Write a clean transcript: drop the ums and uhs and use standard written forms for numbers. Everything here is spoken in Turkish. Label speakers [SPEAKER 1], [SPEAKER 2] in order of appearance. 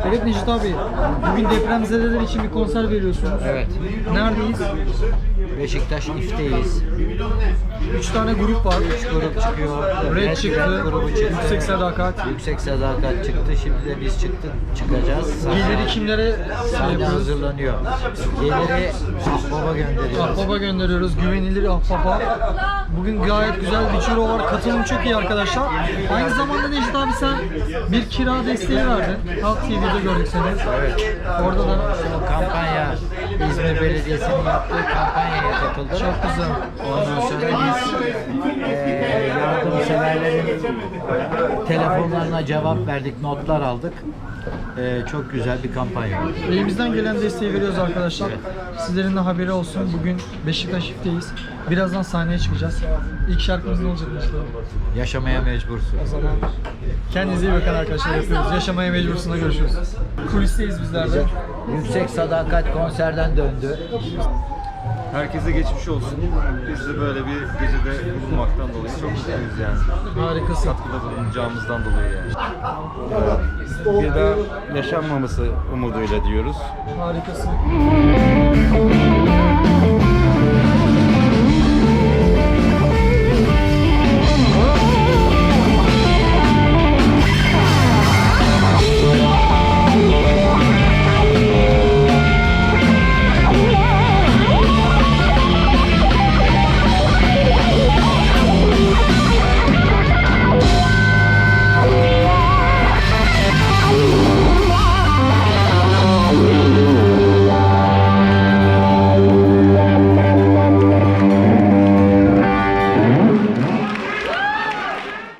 [SPEAKER 1] Evet Necdet abi, bugün depremzedeler için bir konser veriyorsunuz.
[SPEAKER 2] Evet.
[SPEAKER 1] Neredeyiz?
[SPEAKER 2] Beşiktaş İF'teyiz.
[SPEAKER 1] 3 tane grup var.
[SPEAKER 2] 3 grup çıkıyor.
[SPEAKER 1] Red çıktı,
[SPEAKER 2] grubu çıktı.
[SPEAKER 1] Yüksek Sadakat.
[SPEAKER 2] Yüksek Sadakat çıktı. Şimdi de biz çıkacağız.
[SPEAKER 1] Geliri kimlere
[SPEAKER 2] Sahne
[SPEAKER 1] yapıyoruz?
[SPEAKER 2] hazırlanıyor. Geliri Ahbaba gönderiyoruz.
[SPEAKER 1] Ahbaba gönderiyoruz. Güvenilir Ahbaba. Bugün gayet güzel bir ciro var. Katılım çok iyi arkadaşlar. Aynı zamanda Necdet abi sen bir kira desteği verdin. Halk TV'de gördük seni.
[SPEAKER 2] Evet.
[SPEAKER 1] Orada da
[SPEAKER 2] O kampanya, İzmir Belediyesi'nin yaptığı kampanyaya katıldık.
[SPEAKER 1] çok güzel.
[SPEAKER 2] Ondan sonra biz yardımseverlerin telefonlarına cevap verdik, notlar aldık. Çok güzel bir kampanya.
[SPEAKER 1] Elimizden gelen desteği veriyoruz arkadaşlar. Sizlerin de haberi olsun. Bugün Beşiktaş İF'teyiz. Birazdan sahneye çıkacağız. İlk şarkımız ne olacak işte?
[SPEAKER 2] Yaşamaya mecbursun.
[SPEAKER 1] O zaman kendinize iyi bakın arkadaşlar, yapıyoruz. Yaşamaya mecbursuna görüşürüz. Kulisteyiz bizler de.
[SPEAKER 2] Yüksek Sadakat konserden döndü.
[SPEAKER 3] Herkese geçmiş olsun. Biz de böyle bir gecede bulunmaktan dolayı çok mutluyuz yani.
[SPEAKER 1] Harikasın.
[SPEAKER 3] Katkıda bulunacağımızdan dolayı yani.
[SPEAKER 4] Bir daha yaşanmaması umuduyla diyoruz.
[SPEAKER 1] Harikasın.